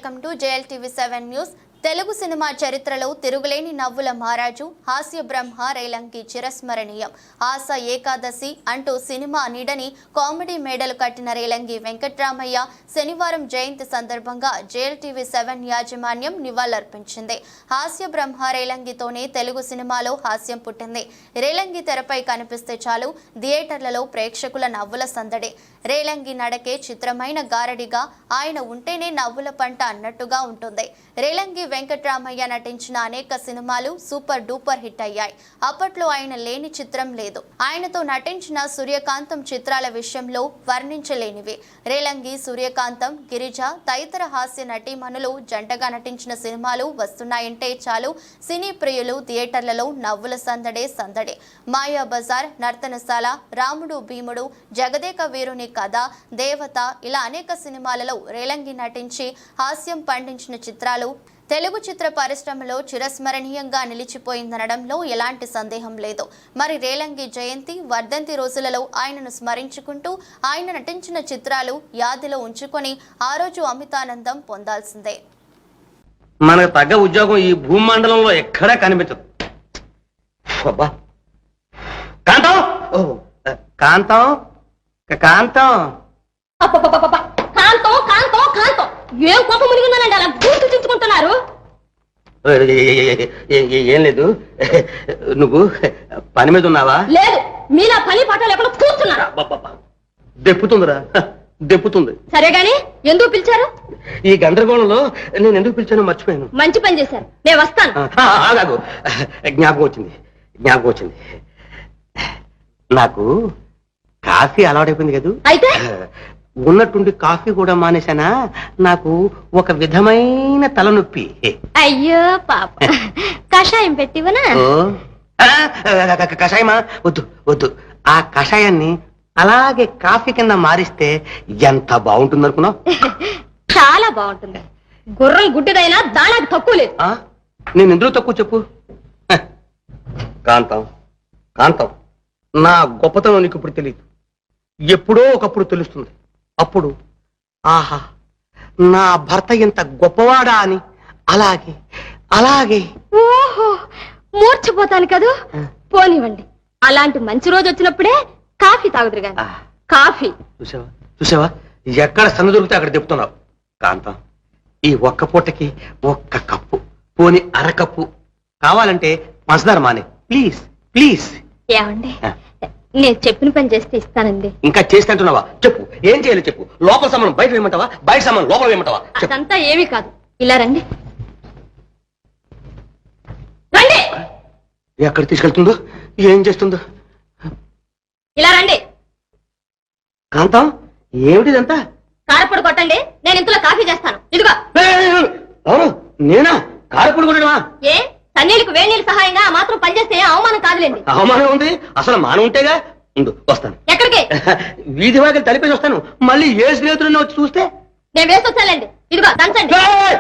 Welcome to JLTV7 news. Telugu cinema చరిత్రలో తిరుగులేని నవ్వుల మహారాజు హాస్య బ్రహ్మ రేలంగి చిరస్మరణీయం. ఆశ ఏకాదశి అంటూ సినిమా నీడని కామెడీ మేడలు కట్టిన రేలంగి వెంకట్రామయ్య శనివారం జయంతి సందర్భంగా JLTV7 యాజమాన్యం నివాళులర్పించింది. హాస్య బ్రహ్మ రేలంగితోనే తెలుగు సినిమాలో హాస్యం పుట్టింది. రేలంగి తెరపై కనిపిస్తే చాలు థియేటర్లలో ప్రేక్షకుల నవ్వుల సందడి. రేలంగి నడకే చిత్రమైన గారడిగా, ఆయన ఉంటేనే నవ్వుల పంట అన్నట్టుగా ఉంటుంది. రేలంగి వెంకట్రామయ్య నటించిన అనేక సినిమాలు సూపర్ డూపర్ హిట్ అయ్యాయి. అప్పట్లో ఆయన లేని చిత్రం లేదు. ఆయనతో నటించిన సూర్యకాంతం చిత్రాల విషయంలో వర్ణించలేనివి. రేలంగి, సూర్యకాంతం, గిరిజ తదితర హాస్య నటీమణులు జంటగా నటించిన సినిమాలు వస్తున్నాయంటే చాలు సినీ ప్రియులు థియేటర్లలో నవ్వుల సందడే సందడి. మాయా బజార్, నర్తనశాల, రాముడు భీముడు, జగదేక వీరుని కథ, దేవత ఇలా అనేక సినిమాలలో రేలంగి నటించి హాస్యం పండించిన చిత్రాలు తెలుగు చిత్ర పరిశ్రమలో చిరస్మరణీయంగా నిలిచిపోయిందనడంలో ఎలాంటి సందేహం లేదు. మరి రేలంగి జయంతి, వర్ధంతి రోజులలో ఆయనను స్మరించుకుంటూ ఆయన నటించిన చిత్రాలు యాదిలో ఉంచుకొని ఆ రోజు అమితానందం పొందాల్సిందే. మనకు తగ్గ ఉద్యోగం ఈ భూమండలంలో ఎక్కడా కనిపించదు. కాంతం కాంతం కాంతం కాంతం కాంతం కాంతం ఏం కోపం మునిగిందనండి అలా గుర్తు చించుకుంటున్నారు? ఏం లేదు, నువ్వు పని మీద ఉన్నావా? లేదు, మీలా పని పాటలు ఎక్కడ కూర్చున్నారు. దెప్పుతుందిరా, దెప్పుతుంది. సరే గాని ఎందుకు పిలిచారు? ఈ గందరగోళంలో నేను ఎందుకు పిలిచానో మర్చిపోయాను. మంచి పని చేశారు, నేను వస్తాను. ఆగాగు, జ్ఞాపకం వచ్చింది, జ్ఞాపకం వచ్చింది. నాకు కాఫీ అలవాటైపోయింది కదా, అయితే ఉన్నట్టుండి కాఫీ కూడా మానేశానా. నాకు ఒక విధమైన తలనొప్పి. అయ్యో పాప, కషాయం పెట్టివనా? కషాయమా? వద్దు వద్దు, ఆ కషాయాన్ని అలాగే కాఫీ కింద మారిస్తే ఎంత బాగుంటుంది అనుకున్నావు? చాలా బాగుంటుంది. గుర్రం గుడ్డిదైనా దానికి తక్కువ లేదు. నేను ఎందుకు తక్కువ చెప్పు? కాంతం కాంతం, నా గొప్పతనం నీకు ఇప్పుడు తెలియదు, ఎప్పుడో ఒకప్పుడు తెలుస్తుంది. అప్పుడు ఆహా, నా భర్త ఎంత గొప్పవాడా అని అలాగే అలాగే. ఓహో, మూర్చిపోతాను కదూ. పోనివ్వండి, అలాంటి మంచి రోజు వచ్చినప్పుడే కాఫీ తాగుదురు గాని. కాఫీ చూసావా చూసావా, ఎక్కడ సన్న దొరికితే అక్కడ చెప్తున్నావు. కాంతం, ఈ ఒక్క పూటకి ఒక్క కప్పు, పోని అరకప్పు కావాలంటే పంచదార మానే, ప్లీజ్ ప్లీజ్. ఏమండి, నేను చెప్పిన పని చేస్తే ఇస్తానండి. ఇంకా చేస్తే అంటున్నావా? చెప్పు, ఏం చేయాలి చెప్పు. లోపల సామాను బయట వేయమంటావా, బయట సామాను లోపల వేయమంటావా? అదంతా ఏమీ కాదు, ఇలా రండి. రండి. ఎక్కడ తీసుకెళ్తుందో, ఏం చేస్తుందో. ఇలా రండి. కాంతం, ఏమిటిదంతా? కారపొడి కొట్టండి, నేను ఇంతలో కాఫీ చేస్తాను. ఇదిగో. అవును, నేనా కారపొడి కొట్టడమా? ఏ సన్నీళ్ళకి వేణీళ్ళు సహాయంగా ఆ మాత్రం పనిచేస్తే అవమానం కాదులేండి. అవమానం ఉంది, అసలు మానం ఉంటేగా. ఉండు, వస్తాను. ఎక్కడికి? వీధి వాకి తలిపేసి వస్తాను. మళ్ళీ ఏ స్నేహితుడిని వచ్చి చూస్తే నేను వేసి వచ్చానండి. ఇదిగో దంచండి.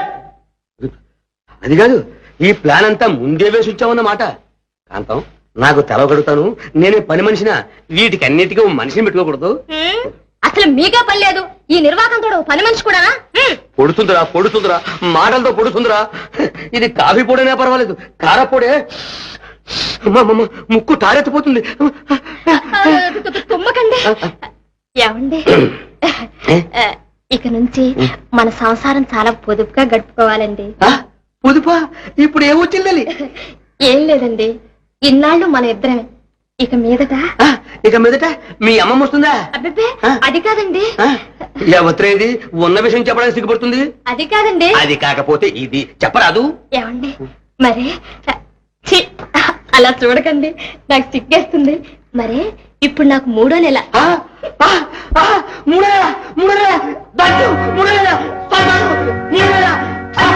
అది కాదు, ఈ ప్లాన్ అంతా ముందే వేసి వచ్చామన్నమాట. కాంతం, నాకు తెలవగడుగుతాను, నేనే పని మనిషినా, వీటికి అన్నిటికీ మనిషిని పెట్టుకోకూడదు. అసలు మీకే పని లేదు, ఈ నిర్వాహకంతో పని మనిషి కూడా పొడుతుందిరా, పొడుతుందిరా, మాటలతో పొడుతుందిరా. ఇది కాఫీ పొడైనా పర్వాలేదు, కారపొడే ముక్కు తారెత్తిపోతుంది. తుమ్మకండి. ఏమండి, ఇక నుంచి మన సంసారం చాలా పొదుపుగా గడుపుకోవాలండి. పొదుపా? ఇప్పుడు ఏమొచ్చింది? ఏం లేదండి, ఇన్నాళ్ళు మన ఇద్దరమే. ఇక మీదట మీ అమ్మమ్మ వస్తుందా? అబ్బే, అది కాదండి. ఎవత్రేది ఉన్న విషయం చెప్పడానికి సిగ్గుపడుతుంది. అది కాదండి. అది కాకపోతే ఇది చెప్పరాదు. ఏమండి, మరి అలా చూడకండి, నాకు సిగ్గేస్తుంది. మరే ఇప్పుడు నాకు 3వ నెల. 3వ నెల?